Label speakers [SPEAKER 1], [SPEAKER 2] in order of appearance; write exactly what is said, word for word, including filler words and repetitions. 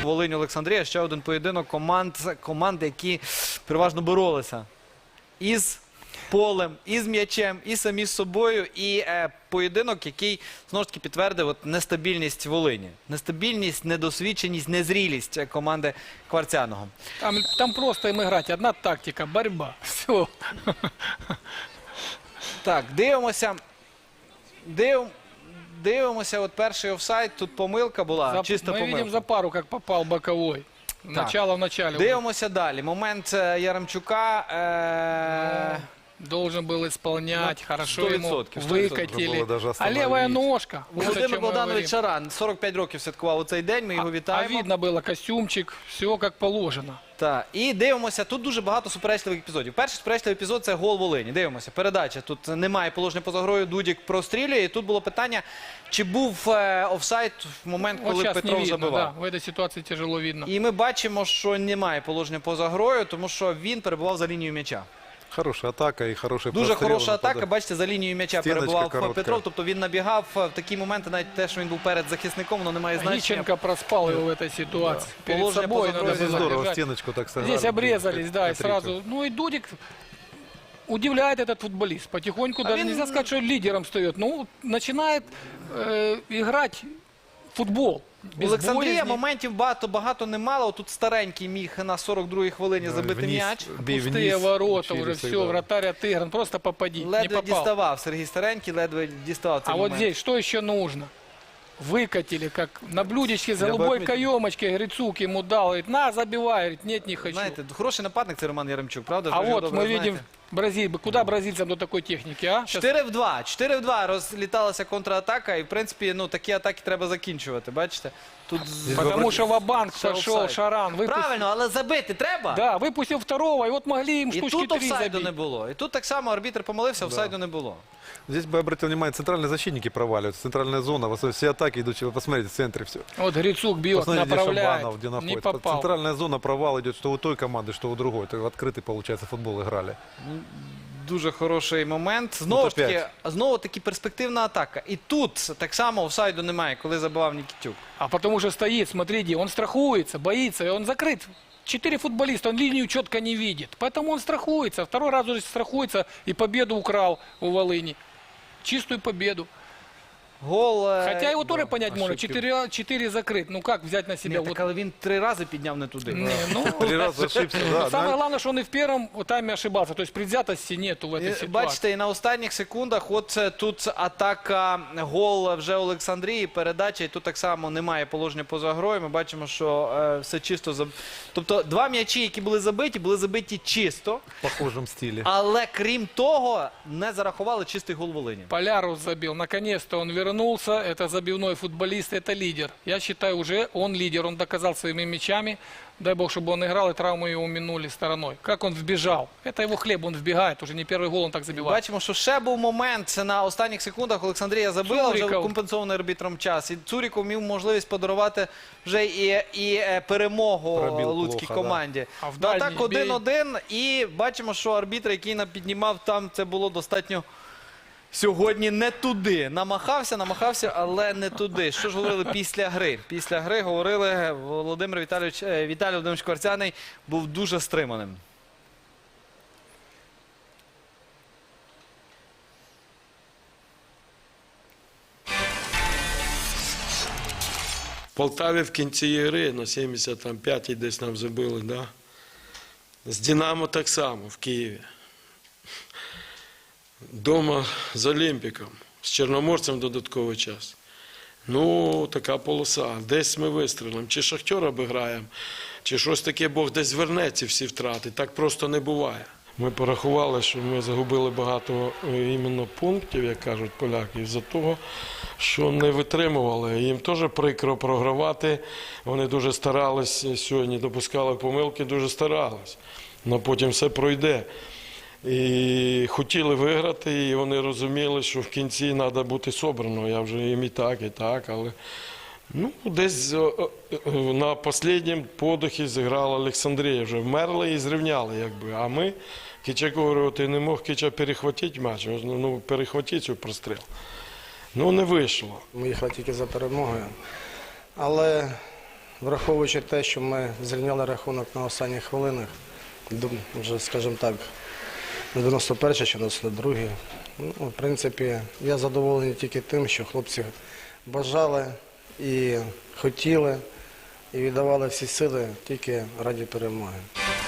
[SPEAKER 1] Волинь Олександрія, ще один поєдинок команд, команд, які переважно боролися із полем, із м'ячем, і самі з собою. І е, поєдинок, який, знову ж таки, підтвердив от, нестабільність Волині. Нестабільність, недосвідченість, незрілість команди Кварцяного.
[SPEAKER 2] Там, там просто им играть. Одна тактика, борьба. Все.
[SPEAKER 1] Так, дивимося. Див... Дивимося, от перший офсайд, тут помилка була,
[SPEAKER 2] За,
[SPEAKER 1] чиста
[SPEAKER 2] мы
[SPEAKER 1] помилка.
[SPEAKER 2] видим за пару, как попал боковой. Начало в начале.
[SPEAKER 1] Дивимося далі. Момент е, Яремчука. Е...
[SPEAKER 2] Должен был исполнять,
[SPEAKER 1] Ну,
[SPEAKER 2] хорошо
[SPEAKER 1] сто
[SPEAKER 2] ему
[SPEAKER 1] відсотків, сто
[SPEAKER 2] выкатили. А левая ножка. Вот о
[SPEAKER 1] Володимир
[SPEAKER 2] чем мы
[SPEAKER 1] Богданович
[SPEAKER 2] говорим.
[SPEAKER 1] Шаран, сорок п'ять років святкував у цей день, ми його
[SPEAKER 2] А
[SPEAKER 1] вітаємо.
[SPEAKER 2] видно было костюмчик, все как положено.
[SPEAKER 1] Так, і дивимося, тут дуже багато суперечливих епізодів. Перший суперечливий епізод – це гол Волині. Дивимося, передача. Тут немає положення поза грою, Дудік прострілює. І тут було питання, чи був е, офсайд в момент,
[SPEAKER 2] Вот
[SPEAKER 1] коли
[SPEAKER 2] сейчас не
[SPEAKER 1] Петров
[SPEAKER 2] видно,
[SPEAKER 1] забивав.
[SPEAKER 2] да, в этой ситуации тяжело видно.
[SPEAKER 1] І ми бачимо, що немає положення поза грою, тому що він перебував за лінією м'яча.
[SPEAKER 3] Хорошая атака и хороший
[SPEAKER 1] Дуже
[SPEAKER 3] прострел.
[SPEAKER 1] хороша атака,
[SPEAKER 3] Пода-
[SPEAKER 1] бачите, за лінією м'яча
[SPEAKER 3] Стіночка
[SPEAKER 1] перебував
[SPEAKER 3] коротка.
[SPEAKER 1] Петров, тобто він набігав в такі моменти, навіть те, що він був перед захисником, воно не має значення.
[SPEAKER 2] Гиченко проспал его в этой ситуации. Перед
[SPEAKER 1] Положение
[SPEAKER 2] собой
[SPEAKER 1] поза
[SPEAKER 2] надо
[SPEAKER 1] грою
[SPEAKER 2] было
[SPEAKER 3] Здорово,
[SPEAKER 2] держать.
[SPEAKER 3] стеночку так сыграли.
[SPEAKER 2] Здесь обрезались, да, и
[SPEAKER 3] Петрика.
[SPEAKER 2] сразу. Ну и Дудик удивляет этот футболист. Потихоньку, даже
[SPEAKER 1] він-
[SPEAKER 2] нельзя сказать, что лидером встает. Ну, начинает э, играть в футбол. Без
[SPEAKER 1] Олександрія
[SPEAKER 2] боязни.
[SPEAKER 1] моментів багато-багато не мало. Тут старенький міг на сорок другій хвилині забити
[SPEAKER 3] Вниз,
[SPEAKER 1] м'яч.
[SPEAKER 3] бей
[SPEAKER 2] Пустые
[SPEAKER 3] вниз,
[SPEAKER 2] ворота
[SPEAKER 3] через
[SPEAKER 2] уже, все,
[SPEAKER 3] всегда.
[SPEAKER 2] вратарь отыгран. Просто попади, не
[SPEAKER 1] Ледве
[SPEAKER 2] попал.
[SPEAKER 1] діставав Сергій Старенький, ледве діставав цей
[SPEAKER 2] А
[SPEAKER 1] момент.
[SPEAKER 2] вот здесь что еще нужно? Выкатили, как на блюдечке с голубой
[SPEAKER 3] отметил.
[SPEAKER 2] каемочкой. Грицук ему дал. Говорит, на, забивай. Говорит, нет, не хочу.
[SPEAKER 1] Знаєте, хороший нападник це Роман Яремчук, правда?
[SPEAKER 2] А
[SPEAKER 1] Ви ж його
[SPEAKER 2] вот
[SPEAKER 1] добре
[SPEAKER 2] мы видим
[SPEAKER 1] знаєте.
[SPEAKER 2] Бразиль. Куда бразильцам до такой техники, а? Щас-
[SPEAKER 1] чотири в два. чотири в два розліталася контратака, і, в принципі, ну, такі атаки треба закінчувати, бачите? Тут... з-
[SPEAKER 2] Потому что ва-банк
[SPEAKER 1] Все
[SPEAKER 2] пошел,
[SPEAKER 1] офсайд.
[SPEAKER 2] Шаран. Выпустил,
[SPEAKER 1] Правильно, але забити треба.
[SPEAKER 2] да, выпустил второго, и вот могли им
[SPEAKER 1] І
[SPEAKER 2] штучки
[SPEAKER 1] тут
[SPEAKER 2] три
[SPEAKER 1] офсайду
[SPEAKER 2] забить.
[SPEAKER 1] не було. І тут так само арбітр помилився, офсайду не було.
[SPEAKER 3] Здесь бы обратил внимание, центральные защитники проваливаются. Центральная зона, в основном все атаки идут, вы посмотрите, в центре все.
[SPEAKER 2] Вот Грицук бьет,
[SPEAKER 3] Посмотрите, где
[SPEAKER 2] направляет,
[SPEAKER 3] Шабанов, где
[SPEAKER 2] не
[SPEAKER 3] находится.
[SPEAKER 2] попал.
[SPEAKER 3] Центральная зона, провал идет, что у той команды, что у другой. Это в открытый, получается, футбол играли.
[SPEAKER 1] Дуже хороший момент. Знову
[SPEAKER 3] Тут
[SPEAKER 1] ж таки,
[SPEAKER 3] опять.
[SPEAKER 1] знову таки перспективна атака. І тут так само офсайду немає, коли забивав Нікітюк.
[SPEAKER 2] А потому что стоит, смотрите, он страхуется, боится, и он закрыт. Четыре футболиста, он линию четко не видит. Поэтому он страхуется. Второй раз уже страхуется и победу украл у Волыни. Чистую победу.
[SPEAKER 1] Гол. е,
[SPEAKER 2] Хотя его тоже понять можно.
[SPEAKER 3] ошибки.
[SPEAKER 2] Четыре, четыре закрыт. Ну как взять на себя?
[SPEAKER 1] Ні,
[SPEAKER 2] Вот,
[SPEAKER 1] так, але він три рази підняв не туди.
[SPEAKER 2] не, ну,
[SPEAKER 3] Три раза ошибся, да.
[SPEAKER 2] самое
[SPEAKER 3] да.
[SPEAKER 2] главное, что он и в первом тайме ошибался. То есть предвзятости нету в этой
[SPEAKER 1] І,
[SPEAKER 2] ситуации.
[SPEAKER 1] Бачите, і на останніх секундах от е, тут атака, гол вже Олександрії, передача, і тут так само немає положення поза грою. Ми бачимо, що е, все чисто. Заб... Тобто два м'ячі, які були забиті, були забиті чисто,
[SPEAKER 3] В похожем стиле.
[SPEAKER 1] але крім того, не зарахували чистий гол Волині.
[SPEAKER 2] Полярус забил. Наконец-то он вернулся. Это забивной футболист, это лидер. Я считаю, уже он лидер. Он доказал своими мячами. Дай бог, чтобы он играл, и травмы его минули стороной. Как он вбежал. Это его хлеб, он вбегает. Уже не первый гол он так забивает.
[SPEAKER 1] Бачимо, що ще був момент на останніх секундах. Олександрія забила вже
[SPEAKER 2] Цуріков.
[SPEAKER 1] компенсований арбітром час. І Цуріков мав можливість подарувати вже і, і е, перемогу
[SPEAKER 3] Пробив
[SPEAKER 1] луцькій
[SPEAKER 3] плохо,
[SPEAKER 1] команді.
[SPEAKER 2] А в
[SPEAKER 1] Ну,
[SPEAKER 2] дальній
[SPEAKER 1] так один-один. І бачимо, що арбітр, який нам піднімав там, це було достатньо сьогодні не туди. Намахався, намахався, але не туди. Що ж говорили після гри? Після гри говорили, Володимир Віталійович, е, Віталій Володимирович Кварцяний був дуже стриманим.
[SPEAKER 4] В Полтаві в кінці ігри на сімдесят п'ятій десь нам забили, да? З Динамо так само в Києві. Дома з Олімпіком, з Чорноморцем додатковий час. Ну, така полоса. Десь ми вистрілимо. Чи Шахтер обіграємо, чи щось таке, Бог десь верне ці всі втрати. Так просто не буває. Ми порахували, що ми загубили багато е, іменно пунктів, як кажуть поляки, із-за того, що не витримували. Їм теж прикро програвати. Вони дуже старались сьогодні, допускали помилки, дуже старались. Але потім все пройде. І хотіли виграти, і вони розуміли, що в кінці треба бути собрано. Я вже їм і так, і так, але ну, десь о, о, на останньому подихі зіграла Олександрія. Вже вмерли і зрівняли, якби. А ми, Кичак говорив, ти не мог Кича перехватити матч, ну, перехватити цю простріл. Ну, не вийшло.
[SPEAKER 5] Ми їхали тільки за перемогою. Але враховуючи те, що ми зрівняли рахунок на останніх хвилинах, ду- вже, скажімо так, на дев'яносто першій чи дев'яносто другій, ну, в принципі, я задоволений тільки тим, що хлопці бажали і хотіли, і віддавали всі сили тільки раді перемоги.